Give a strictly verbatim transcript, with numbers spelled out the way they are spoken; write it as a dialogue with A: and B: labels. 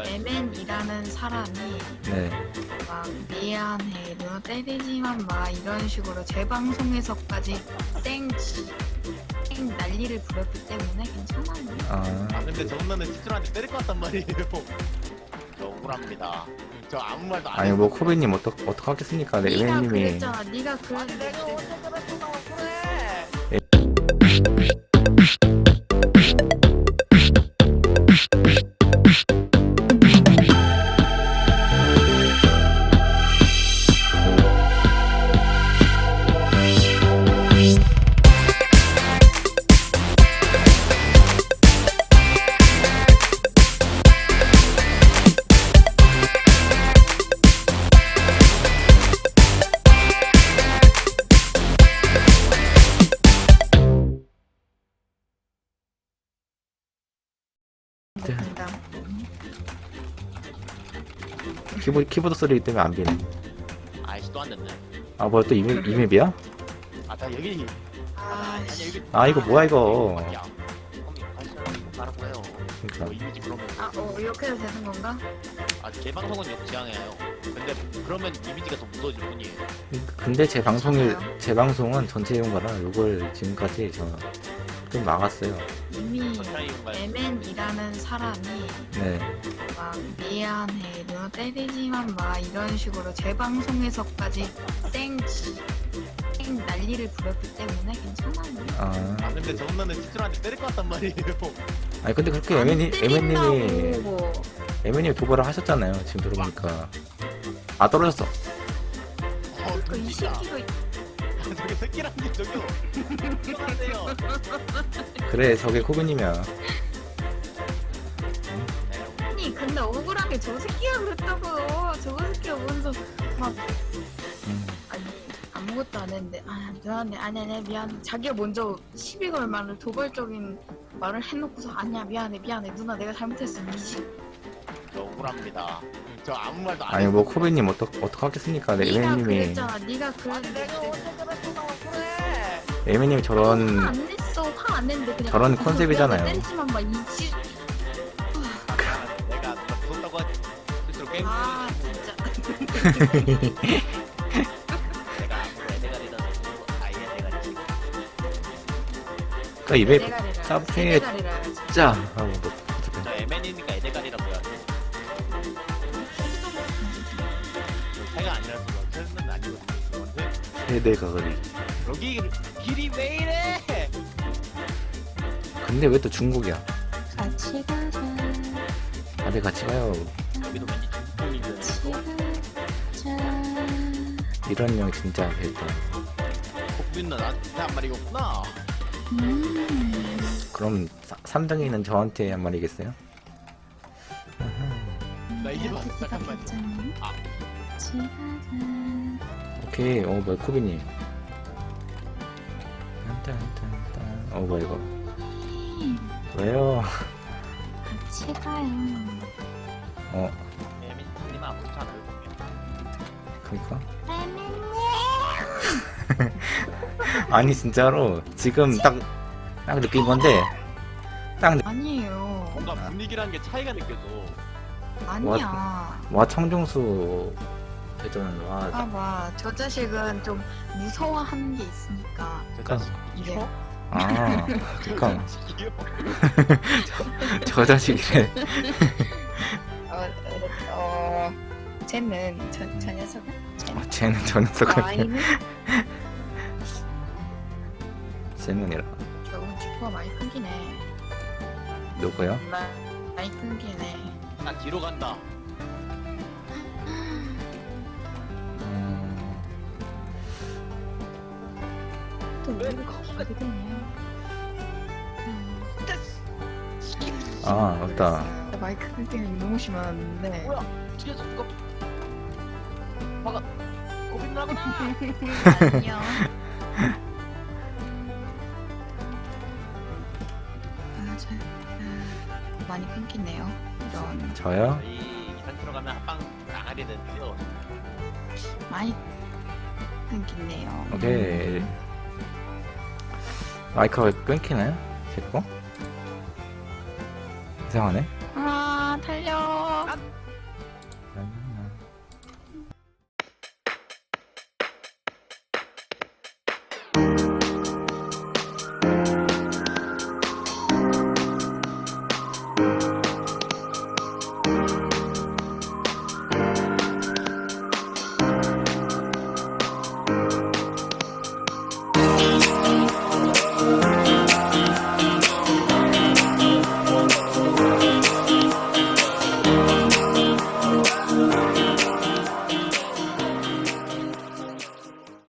A: 에멘이라는 사람이
B: 네.
A: 막 미안해 너 때리지만 마 이런 식으로 제 방송에서까지 쌩, 쌩 난리를 부렸기 때문에 괜찮아요.
B: 아,
C: 아 근데 저 누나는 시들한테 때릴 것 같단 말이에요. 저 억울합니다. 저 아무 말도 안
B: 아니
C: 했어요.
B: 뭐 코비님 어떡 어떡 하겠습니까? 네,
A: 네가
B: 에멘님이
A: 그랬잖아. 네가
C: 아니 내가
A: 그랬는데
C: 언제 그랬다고 그래.
A: 먹는다.
B: 키보드 키보드 소리 때문에 안 비네.
C: 아이씨 또 안 됐네.
B: 아 뭐야 또 이맵 이맵이야?
C: 아나 여기
A: 아,
C: 아니 여기
B: 아, 이거 뭐야, 이거.
C: 밖이야. 형님 가시라고 가라고 해요. 뭐
B: 그러니까
C: 이미지 그러면
A: 아, 어, 이렇게 해도 되는 건가?
C: 아 개방송은 역지향해요. 근데 그러면 이미지가 더 무서워질 뿐이에요.
B: 근데 제 방송이
A: 괜찮아요.
B: 제 방송은 전체 이용거라 이걸 지금까지 저 좀 막았어요.
A: 이미
C: 전차이 공간
A: 에멘이라는 사람이
B: 네.
A: 막 미안해 너 때리지만 마 이런 식으로 제 방송에서까지 쌩, 쌩 난리를 부렸기 때문에 괜찮아요.
B: 아,
C: 아 근데 저 누나는 시들한테 때릴 것 같단 말이에요.
B: 아니 근데 그렇게
A: 안
B: 에멘이 에멘님이
A: 때린다고.
B: 에멘님이 도발을 하셨잖아요. 지금 들어보니까 아 떨어졌어.
C: 어
A: 그 이
C: 진짜.
A: 새끼가
C: 저기 새끼란 게 저기요. 그만하세요.
B: 그래 저게 코비님이야.
A: 아니 근데 억울한 게 저 새끼가 그랬다고요. 저거 새끼가 먼저 막
B: 음.
A: 아니 아무것도 안 했는데 아 미안해 아니 아니 미안 자기가 먼저 시비 걸 말을 도발적인 말을 해놓고서 아니야 미안해 미안해 누나 내가 잘못했어 이지.
C: 저 억울합니다. 저 아무 말도 안
B: 아니
C: 했어요.
B: 뭐 코비님 어떡 어떡 하겠습니까? 네,
A: 네가
B: 에멘님이
A: 그랬잖아. 네가
C: 아니
A: 그랬는데
C: 내가 언제 그랬다고 그래.
B: 에멘님이
A: 화
B: 저런
A: 안 냈어. 화 안 냈는데 그냥
B: 저런
A: 아,
B: 컨셉이잖아요.
A: 미안해, 때리지만 막 이지.
C: 내가 누가 무섭다고 하지. 스스로 게임
A: 아 진짜.
C: 내가 아무리 애대가리다 아예 애대가리.
B: 그러니까 입에
A: 대가리라.
B: 짭게
A: 대가리라.
B: 짜 하고 뭐
C: 저 에맨이니까 애대가리라고 해야지. 저 새가 아니라서 새는 아니거든요.
B: 세대 가거리.
C: 여기 길이 왜 이래?
B: 근데 왜 또 중국이야?
A: 같이 가자.
B: 다들 같이 가요.
C: 여기도 왠지 중국인데.
B: 이런 형 진짜 됐다.
C: 국민은 나한테 한 말이었구나.
A: 음.
B: 그럼 삼 등이는 저한테 한 말이겠어요?
C: 나 이제 봤어. 잠깐만. 아.
B: 오케이. 어 뭐야 코비님. 딴딴딴딴. 어 뭐야 이거. 왜요?
A: 같이 가요.
B: 어
C: 에맨님 아무렇지 않아요.
B: 그니까. 아니 진짜로 지금 딱 딱 느낀 건데 딱 느...
A: 아니에요.
C: 뭔가 분위기라는 게 차이가 느껴져.
A: 아니야.
B: 와 청정수 대전 와 딱-
A: 봐봐. 저 자식은 좀 무서워하는 게 있으니까.
C: 저
B: 그러니까.
C: 자식
A: 이게
C: 이거?
B: 아
C: 저
B: 그니까
C: 자식이요?
B: 저 자식이래.
A: 어, 어, 어 쟤는 저, 저 녀석은?
B: 어, 쟤는 저 녀석을
A: 아이는
B: 쟤는이라
A: 결국 지퍼가 많이 끊기네.
B: 누구요?
A: 마- 많이 끊기네.
C: 나 뒤로 간다.
B: 음,
A: 또 왜 이렇게 가게 되냐?
B: 아 맞다.
A: 마이크 끊기는 게 너무 심한데.
C: 뭐야? 뒤에서 누가 막아. 고민 나구나.
A: 안녕. 아, 저, 아, 많이 끊기네요. 이런
B: 저요?
C: 이 이상 들어가면 한방 나가게 되는데요.
A: 많이 끊기네요.
B: 오케이. 마이크가 끊기나요? 제 거? 이상하네.
A: 아 달려.
C: 샷!